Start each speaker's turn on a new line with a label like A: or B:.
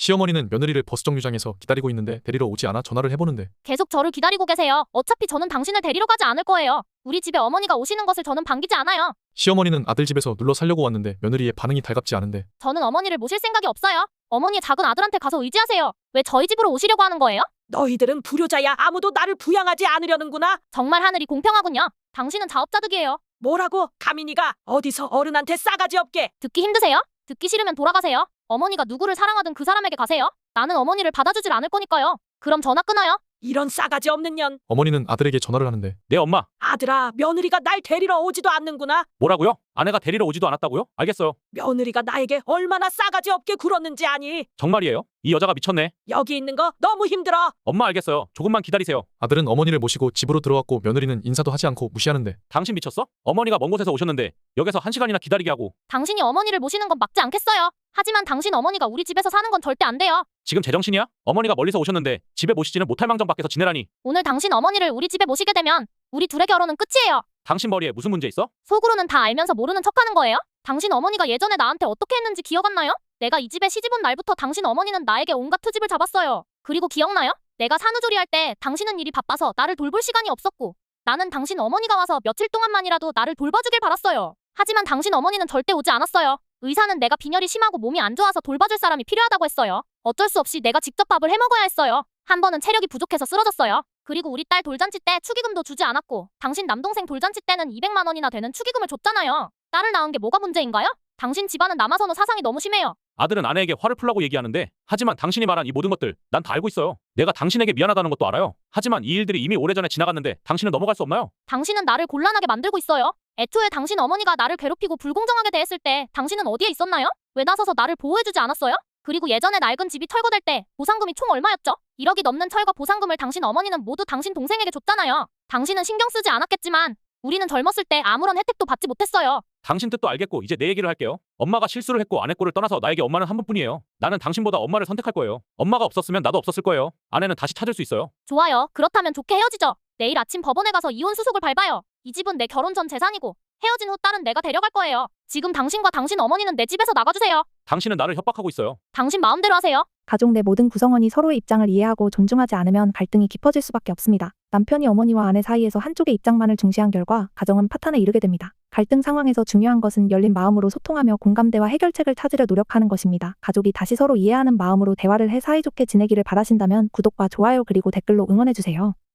A: 시어머니는 며느리를 버스 정류장에서 기다리고 있는데 데리러 오지 않아 전화를 해보는데
B: 계속 저를 기다리고 계세요. 어차피 저는 당신을 데리러 가지 않을 거예요. 우리 집에 어머니가 오시는 것을 저는 반기지 않아요.
A: 시어머니는 아들 집에서 눌러 살려고 왔는데 며느리의 반응이 달갑지 않은데
B: 저는 어머니를 모실 생각이 없어요. 어머니의 작은 아들한테 가서 의지하세요. 왜 저희 집으로 오시려고 하는 거예요?
C: 너희들은 불효자야. 아무도 나를 부양하지 않으려는구나.
B: 정말 하늘이 공평하군요. 당신은 자업자득이에요.
C: 뭐라고? 가민이가 어디서 어른한테 싸가지 없게.
B: 듣기 힘드세요? 듣기 싫으면 돌아가세요. 어머니가 누구를 사랑하든 그 사람에게 가세요. 나는 어머니를 받아주질 않을 거니까요. 그럼 전화 끊어요.
C: 이런 싸가지 없는 년.
A: 어머니는 아들에게 전화를 하는데
D: 네, 엄마.
C: 아들아, 며느리가 날 데리러 오지도 않는구나.
D: 뭐라고요? 아내가 데리러 오지도 않았다고요? 알겠어요.
C: 며느리가 나에게 얼마나 싸가지 없게 굴었는지 아니.
D: 정말이에요? 이 여자가 미쳤네.
C: 여기 있는 거 너무 힘들어.
D: 엄마, 알겠어요. 조금만 기다리세요.
A: 아들은 어머니를 모시고 집으로 들어왔고 며느리는 인사도 하지 않고 무시하는데
D: 당신 미쳤어? 어머니가 먼 곳에서 오셨는데 역에서 1시간이나 기다리게 하고.
B: 당신이 어머니를 모시는 건 맞지 않겠어요. 하지만 당신 어머니가 우리 집에서 사는 건 절대 안 돼요.
D: 지금 제정신이야? 어머니가 멀리서 오셨는데 집에 모시지는 못할 망정 밖에서 지내라니.
B: 오늘 당신 어머니를 우리 집에 모시게 되면 우리 둘의 결혼은 끝이에요.
D: 당신 머리에 무슨 문제 있어?
B: 속으로는 다 알면서 모르는 척하는 거예요? 당신 어머니가 예전에 나한테 어떻게 했는지 기억 안 나요? 내가 이 집에 시집 온 날부터 당신 어머니는 나에게 온갖 트집을 잡았어요. 그리고 기억나요? 내가 산후조리 할 때 당신은 일이 바빠서 나를 돌볼 시간이 없었고 나는 당신 어머니가 와서 며칠 동안만이라도 나를 돌봐주길 바랐어요. 하지만 당신 어머니는 절대 오지 않았어요. 의사는 내가 빈혈이 심하고 몸이 안 좋아서 돌봐줄 사람이 필요하다고 했어요. 어쩔 수 없이 내가 직접 밥을 해먹어야 했어요. 한 번은 체력이 부족해서 쓰러졌어요. 그리고 우리 딸 돌잔치 때 축의금도 주지 않았고 당신 남동생 돌잔치 때는 200만 원이나 되는 축의금을 줬잖아요. 딸을 낳은 게 뭐가 문제인가요? 당신 집안은 남아선호 사상이 너무 심해요.
D: 아들은 아내에게 화를 풀라고 얘기하는데 하지만 당신이 말한 이 모든 것들 난 다 알고 있어요. 내가 당신에게 미안하다는 것도 알아요. 하지만 이 일들이 이미 오래전에 지나갔는데 당신은 넘어갈 수 없나요?
B: 당신은 나를 곤란하게 만들고 있어요. 애초에 당신 어머니가 나를 괴롭히고 불공정하게 대했을 때 당신은 어디에 있었나요? 왜 나서서 나를 보호해주지 않았어요? 그리고 예전에 낡은 집이 철거될 때 보상금이 총 얼마였죠? 1억이 넘는 철거 보상금을 당신 어머니는 모두 당신 동생에게 줬잖아요. 당신은 신경 쓰지 않았겠지만 우리는 젊었을 때 아무런 혜택도 받지 못했어요.
D: 당신 뜻도 알겠고 이제 내 얘기를 할게요. 엄마가 실수를 했고 아내 꼴을 떠나서 나에게 엄마는 한 분뿐이에요. 나는 당신보다 엄마를 선택할 거예요. 엄마가 없었으면 나도 없었을 거예요. 아내는 다시 찾을 수 있어요.
B: 좋아요. 그렇다면 좋게 헤어지죠. 내일 아침 법원에 가서 이혼 수속을 밟아요. 이 집은 내 결혼 전 재산이고 헤어진 후 딸은 내가 데려갈 거예요. 지금 당신과 당신 어머니는 내 집에서 나가주세요.
D: 당신은 나를 협박하고 있어요.
B: 당신 마음대로 하세요.
E: 가족 내 모든 구성원이 서로의 입장을 이해하고 존중하지 않으면 갈등이 깊어질 수밖에 없습니다. 남편이 어머니와 아내 사이에서 한쪽의 입장만을 중시한 결과 가정은 파탄에 이르게 됩니다. 갈등 상황에서 중요한 것은 열린 마음으로 소통하며 공감대와 해결책을 찾으려 노력하는 것입니다. 가족이 다시 서로 이해하는 마음으로 대화를 해 사이좋게 지내기를 바라신다면 구독과 좋아요 그리고 댓글로 응원해주세요.